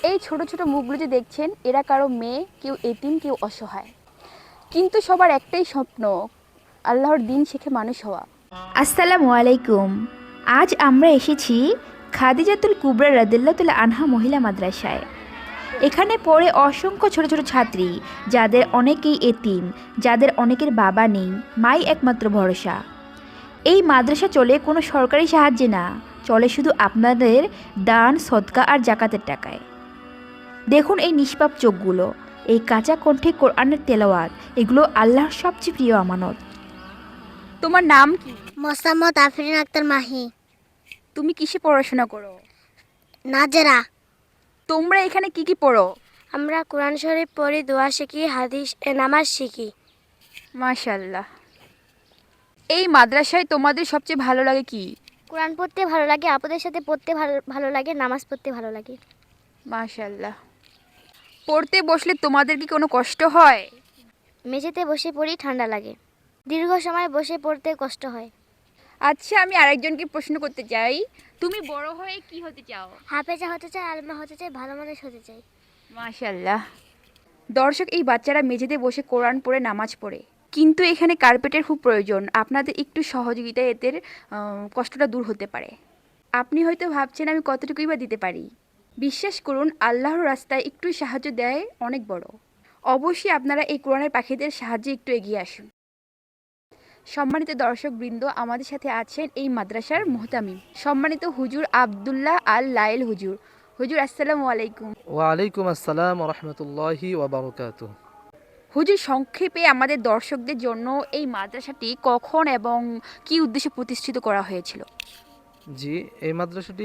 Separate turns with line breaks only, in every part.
এই ছোট ছোট মুখগুলো যে দেখছেন, এরা কারো মেয়ে, কেউ এতিম, কেউ অসহায়। কিন্তু সবার একটাই স্বপ্ন, আল্লাহর দিন শিখে মানুষ হওয়া।
আসসালামু আলাইকুম। আজ আমরা এসেছি খাদিজাতুল কুবরা রাদিয়াল্লাহু আনহা মহিলা মাদ্রাসায়। এখানে পড়ে অসংখ্য ছোট ছোট ছাত্রী, যাদের অনেকেই এতিম, যাদের অনেকের বাবা নেই, মাই একমাত্র ভরসা। এই মাদ্রাসা চলে কোনো সরকারি সাহায্যে না, চলে শুধু আপনাদের দান, সদকা আর জাকাতের টাকায়। দেখুন এই নিষ্পাপ চোখগুলো, এই কাঁচা কণ্ঠে কোরআনের তেলাওয়াত, এগুলো আল্লাহর সবচেয়ে প্রিয় আমানত।
তোমার নাম কি?
মোসাম্মদ আফরিন আক্তার মাহি।
তুমি কিসে পড়াশোনা করো?
নাজেরা।
তোমরা এখানে কি কি পড়ো?
আমরা কোরআন শরীফ পড়ি, দোয়া শিখি, নামাজ শিখি।
মাশাআল্লাহ। এই মাদ্রাসায় তোমাদের সবচেয়ে ভালো লাগে কি?
কোরআন পড়তে ভালো লাগে, আপুদের সাথে পড়তে ভালো লাগে, নামাজ পড়তে ভালো লাগে।
মাশাআল্লাহ। পড়তে বসলে তোমাদের কি কোনো কষ্ট হয়?
মেঝেতে বসে পড়ি, ঠান্ডা লাগে। দীর্ঘ সময় বসে পড়তে কষ্ট হয়।
আচ্ছা, আমি আরেকজনকে প্রশ্ন করতে চাই, তুমি বড় হয়ে কি হতে চাও?
হাফেজা হতে চাই, আলেমা হতে চাই, ভালো মানুষ হতে চাই।
মাশাআল্লাহ। দর্শক, এই বাচ্চারা মেঝেতে বসে কোরআন পড়ে, নামাজ পড়ে, কিন্তু এখানে কার্পেটের খুব প্রয়োজন। আপনাদের একটু সহযোগিতায় এদের কষ্টটা দূর হতে পারে। আপনি হয়তো ভাবছেন আমি কতটুকুই বা দিতে পারি। বিশ্বাস করুন, আল্লাহর রাস্তায় একটু সাহায্য দেয় অনেক বড়। অবশ্যই আপনারা এই কোরআনের পাখিদের সাহায্যে একটু এগিয়ে আসুন। সম্মানিত দর্শকবৃন্দ, আমাদের সাথে আছেন এই মাদ্রাসার মুহতামিম, সম্মানিত হুজুর আব্দুল্লাহ আল লাইল হুজুর। হুজুর, আসসালামু আলাইকুম।
ওয়ালাইকুম আসসালাম রহমতুল্লাহি ওয়াবারকাতু।
হুজুর, সংক্ষেপে আমাদের দর্শকদের জন্য এই মাদ্রাসাটি কখন এবং কি উদ্দেশ্যে প্রতিষ্ঠিত করা হয়েছিল?
জি, এই মাদ্রাসাটি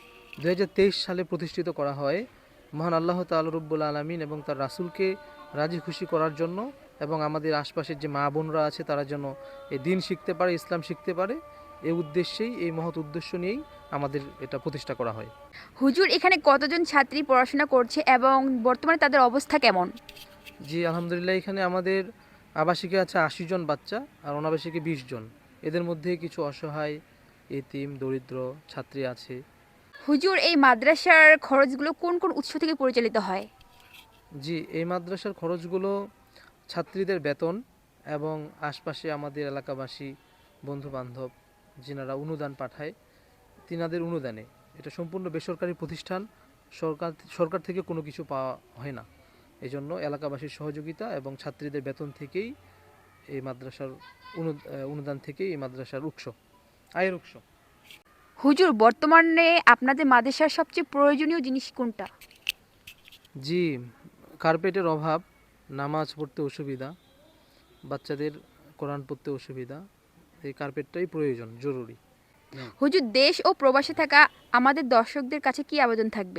2023 সালে প্রতিষ্ঠিত করা হয় মহান আল্লাহ তাআলা রব্বুল আলামিন এবং তার রাসূলকে রাজি খুশি করার জন্য, এবং আমাদের আশপাশের যে মা বোনরা আছে তারা যেন এই দিন শিখতে পারে, ইসলাম শিখতে পারে, এই উদ্দেশ্যেই, এই মহৎ উদ্দেশ্য নিয়েই আমাদের এটা প্রতিষ্ঠা করা হয়।
হুজুর, এখানে কতজন ছাত্রী পড়াশোনা করছে এবং বর্তমানে তাদের অবস্থা কেমন?
জি, আলহামদুলিল্লাহ, এখানে আমাদের আবাসিকে আছে 80 জন বাচ্চা আর অনাবাসিকে 20 জন। এদের মধ্যে কিছু অসহায়, এতিম, দরিদ্র ছাত্রী আছে।
হুজুর, এই মাদ্রাসার খরচগুলো কোন কোন উৎস থেকে পরিচালিত হয়?
জি, এই মাদ্রাসার খরচগুলো ছাত্রীদের বেতন এবং আশপাশে আমাদের এলাকাবাসী, বন্ধু বান্ধব যিনারা অনুদান পাঠায়, তিনাদের অনুদানে। এটা সম্পূর্ণ বেসরকারি প্রতিষ্ঠান, সরকার থেকে কোনো কিছু পাওয়া হয় না। এই জন্য এলাকাবাসীর সহযোগিতা এবং ছাত্রীদের বেতন থেকেই এই মাদ্রাসার অনুদান থেকেই এই মাদ্রাসার আয়ের উৎস।
হুজুর, বর্তমানে আপনাদের মাদ্রাসার সবচেয়ে প্রয়োজনীয় জিনিস কোনটা?
জি, কার্পেটের অভাব, নামাজ পড়তে অসুবিধা, বাচ্চাদের কোরআন পড়তে অসুবিধা, এই কার্পেটটাই প্রয়োজন, জরুরি।
হুজুর, দেশ ও প্রবাসে থাকা আমাদের দর্শকদের কাছে কি আবেদন থাকবে?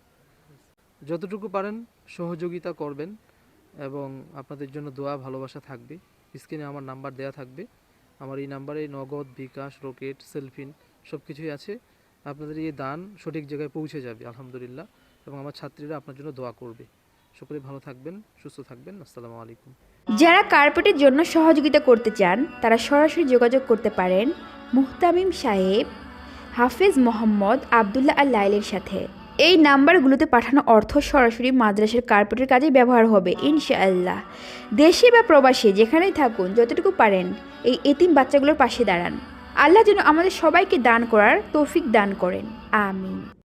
যতটুকু পারেন সহযোগিতা করবেন এবং আপনাদের জন্য দোয়া ভালোবাসা থাকবে। স্ক্রিনে আমার নাম্বার দেয়া থাকবে, আমার এই নাম্বারে নগদ, বিকাশ, রকেট, সেলফিন সব কিছুই আছে। আপনাদের এই দান সঠিক জায়গায় পৌঁছে যাবে আলহামদুলিল্লাহ, এবং আমার ছাত্রীরা আপনার জন্য দোয়া করবে। সকলে ভালো থাকবেন, সুস্থ থাকবেন। আসসালামু আলাইকুম।
যারা কার্পেটের জন্য সহযোগিতা করতে চান, তারা সরাসরি যোগাযোগ করতে পারেন মুহতামিম সাহেব হাফেজ মোহাম্মদ আবদুল্লাহ আল লাইলের সাথে। এই নাম্বারগুলোতে পাঠানো অর্থ সরাসরি মাদ্রাসার কার্পেটের কাজে ব্যবহার হবে ইনশাআল্লাহ। দেশে বা প্রবাসে যেখানেই থাকুন, যতটুকু পারেন এই এতিম বাচ্চাগুলোর পাশে দাঁড়ান। আল্লাহ যেন আমাদের সবাইকে দান করার তৌফিক দান করেন, আমিন।